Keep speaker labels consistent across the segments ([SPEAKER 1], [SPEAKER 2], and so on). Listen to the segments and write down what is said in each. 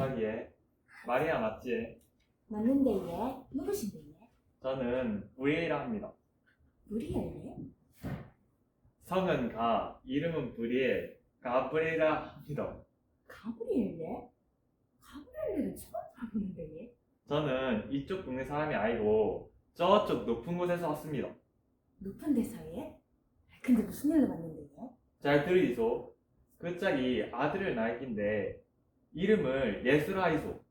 [SPEAKER 1] 저기 마리아 맞지?
[SPEAKER 2] 맞는데 얘? 누구신데 얘?
[SPEAKER 1] 저는 브리에이라 합니다.
[SPEAKER 2] 우리엘레?
[SPEAKER 1] 성은 가, 이름은 브리에, 가브리엘라 합니다.
[SPEAKER 2] 가브리엘레? 가브리엘레는 처음 알았는데 얘?
[SPEAKER 1] 저는 이쪽 동네 사람이 아니고 저쪽 높은 곳에서 왔습니다.
[SPEAKER 2] 높은 데서에? 근데 무슨 일로 왔는데 얘?
[SPEAKER 1] 잘 들으이소. 그 짝이 아들을 낳았긴데 이름을 예수라 하이소.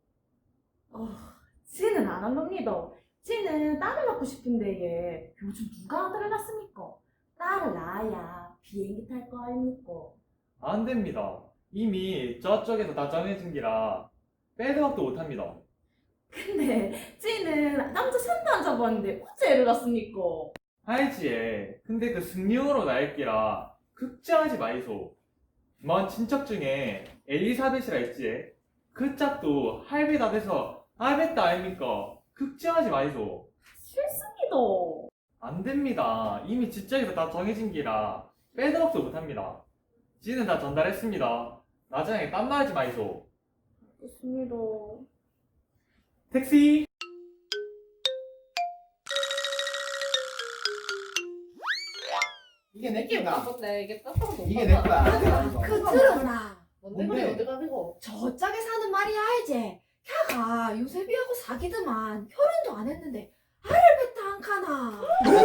[SPEAKER 2] 쟤는 안 합니다. 쟤는 딸을 낳고 싶은데 얘 요즘 누가 아들을 낳습니까? 딸을 낳아야 비행기 탈 거 아닙니까?
[SPEAKER 1] 안 됩니다. 이미 저쪽에서 다 정해진 기라 빼도 박도 못합니다.
[SPEAKER 2] 근데 쟤는 남자 산도 안 잡았는데 어째 애를 낳습니까?
[SPEAKER 1] 알지에. 근데 그 승용으로 낳을 기라 걱정하지 마이소. 먼 친척 중에 엘리사벳이라 있지. 그 짝도 할배 다 돼서 알베다 아닙니까? 걱정하지 마이소.
[SPEAKER 2] 싫습니다.
[SPEAKER 1] 안 됩니다. 이미 지적에서 다 정해진 기라 빼도 박도 못합니다. 지는 다 전달했습니다. 나중에 딴말하지 마이소.
[SPEAKER 2] 좋습니다.
[SPEAKER 1] 택시!
[SPEAKER 3] 이게 내 끼다.
[SPEAKER 4] 근데 이게 땄다고
[SPEAKER 3] 이게 내 거야.
[SPEAKER 2] 그 들어라.
[SPEAKER 4] 뭔데
[SPEAKER 3] 뭔데?
[SPEAKER 4] 그래 어디 가지고?
[SPEAKER 2] 저 짝에 사는 말이야 알지? 걔가 요셉이하고 사귀더만 결혼도 안 했는데 알을 뱉다 안 카나.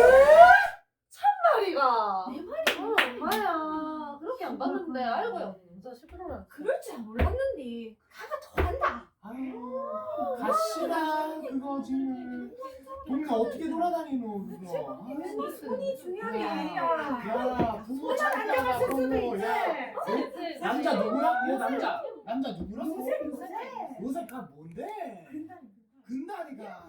[SPEAKER 4] 말이가.
[SPEAKER 2] 내 말이
[SPEAKER 4] 엄마야 그렇게 안 봤는데 알고요. 진짜 시끄러워.
[SPEAKER 2] 그럴 줄 몰랐는데 걔가 더 한다.
[SPEAKER 3] 아유, 가시라 그거지. 동네 어떻게 돌아다니노 그거.
[SPEAKER 2] 손이 중요한 게
[SPEAKER 4] 야.
[SPEAKER 2] 아니야.
[SPEAKER 3] 야, 부모 찾다가 그거. 야, 남자 누구라? 얘 남자 누구라? 요셉가 뭔데? 근다니까.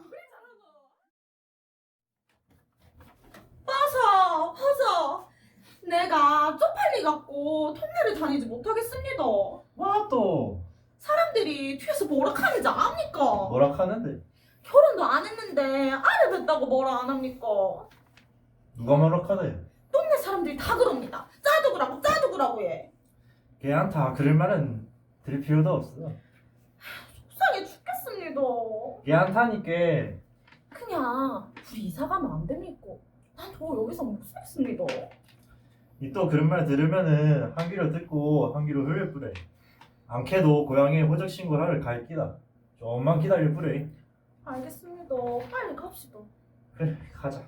[SPEAKER 2] 허서 내가 쪽팔리갖고 통례를 다니지 못하겠습니다.
[SPEAKER 5] 와 또
[SPEAKER 2] 사람들이 뒤에서 뭐라 하는지 압니까?
[SPEAKER 5] 뭐라 하는데?
[SPEAKER 2] 결혼도 안 했는데 알을 뱉다고 뭐라 안 합니까?
[SPEAKER 5] 누가 뭐라 하대?
[SPEAKER 2] 동네 사람들이 다 그럽니다. 짜두구라고 해.
[SPEAKER 5] 걔한테 그럴 말은 들을 필요도 없어.
[SPEAKER 2] 속상해 죽겠습니다.
[SPEAKER 5] 걔한테니까
[SPEAKER 2] 그냥 우리 이사 가면 안 됩니까? 난 더 여기서 못 살겠습니다.
[SPEAKER 5] 이 또 그런 말 들으면은 한 귀로 듣고 한 귀로 흘릴 뿌래. 않게도 고향에 호적 신고를 하러 갈 끼다. 좀만 기다릴 뿌래.
[SPEAKER 2] 알겠습니다. 빨리 갑시다.
[SPEAKER 5] 그래 가자.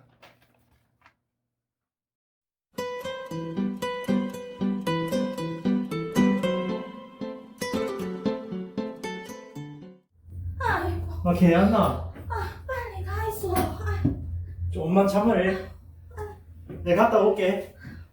[SPEAKER 2] 아이고
[SPEAKER 5] 걔안나
[SPEAKER 2] 빨리 가 있어.
[SPEAKER 5] 좀만 참으래. 내가 갔다 올게.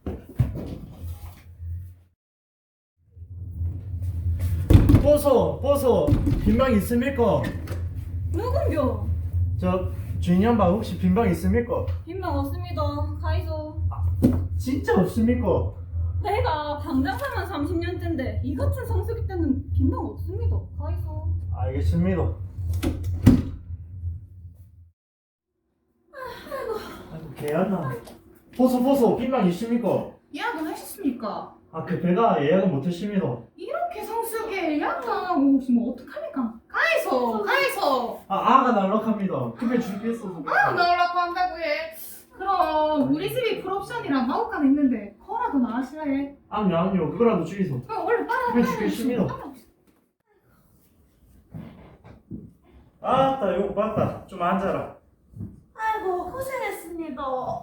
[SPEAKER 5] 보소 빈방 있습니까?
[SPEAKER 2] 누군겨?
[SPEAKER 5] 저 주인 양반 혹시 빈방 있습니까?
[SPEAKER 6] 빈방 없습니다. 가이소.
[SPEAKER 5] 진짜 없습니까?
[SPEAKER 6] 내가 방장사만 30년째인데 이 같은 성수기 때는 빈방 없습니다. 가이소.
[SPEAKER 5] 알겠습니다. 아이고 개안나. 보소 빈방 있습니까?
[SPEAKER 6] 예약은 하셨습니까?
[SPEAKER 5] 그 배가 예약은 못했습니다.
[SPEAKER 6] 이렇게 성수기에 예약도 안 하고 오시면 어떡합니까? 가이소.
[SPEAKER 5] 아가 날락합니다. 급해 죽겠어.
[SPEAKER 6] 나오라고 한다고 해. 그럼 우리 집이 풀옵션이랑 마구간 있는데 그거라도 나으시라 해.
[SPEAKER 5] 아니요 그거라도 주이소.
[SPEAKER 6] 그럼 얼른 빨리
[SPEAKER 5] 급해 죽겠습니다. 아따 요거 봤다. 좀 앉아라.
[SPEAKER 2] 아이고 고생했습니다.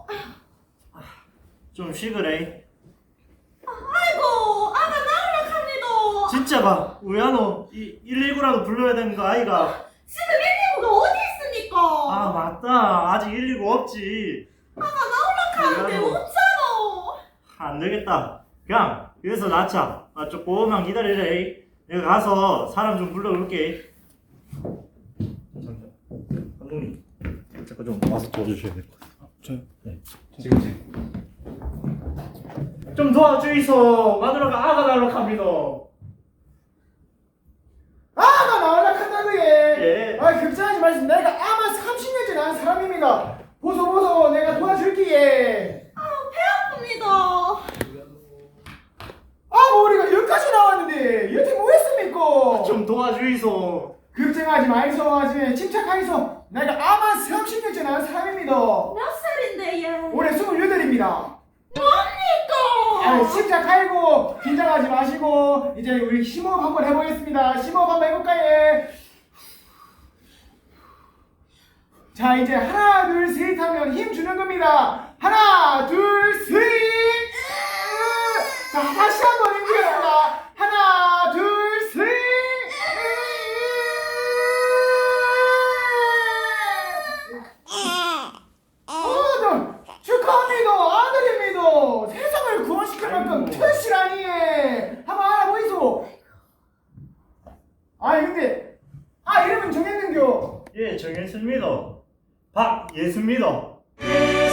[SPEAKER 5] 좀 쉬그래.
[SPEAKER 2] 아이고 아가 나오라 합니다.
[SPEAKER 5] 진짜 봐. 우야노 119라도 불러야 되는 거 아이가.
[SPEAKER 2] 지금 119가 어디 있습니까?
[SPEAKER 5] 아 맞다. 아직 119 없지.
[SPEAKER 2] 가는데
[SPEAKER 5] 우야노.
[SPEAKER 2] 없잖아.
[SPEAKER 5] 안 되겠다. 그냥 여기서 낳자. 조금만 기다리래. 내가 가서 사람 좀 불러올게. 잠깐. 감독님. 잠깐 좀 와서 도와주셔야 될 것 같아요.
[SPEAKER 3] 저요?
[SPEAKER 5] 네.
[SPEAKER 3] 지금.
[SPEAKER 5] 좀 도와주이소. 마누라가 아가 날락합니다.
[SPEAKER 3] 아가 나올라 한다고 해.
[SPEAKER 5] 예.
[SPEAKER 3] 아 걱정하지 마시고 내가 아마 30년째 낳은 사람입니다. 보소 내가 도와줄게.
[SPEAKER 2] 아픕니다.
[SPEAKER 3] 아 머리가 여기까지 나왔는데 여태 뭐 했습니까? 좀 도와주이소. 걱정하지 마이소. 아줌마 침착하이소. 내가 아만 30년째 낳은 사람입니다.
[SPEAKER 2] 몇 살인데 얘?
[SPEAKER 3] 올해 28입니다.
[SPEAKER 2] 뭡니까?
[SPEAKER 3] 아, 침착하이고 긴장하지 마시고 이제 우리 심호흡 한번 해보겠습니다. 심호흡 한번 해볼까요? 예? 자, 이제 하나 둘 셋 하면 힘 주는 겁니다. 하나 둘 셋. 자, 다시 한번 힘주겠습니다. 하나 둘 셋. 축하합니다. 아들입니다. 세상을 구원시킬 만큼 특실하니. 한번 알아보이소. 아니 근데 이름은 정했는겨.
[SPEAKER 5] 예, 정했습니다. 박예수입니다.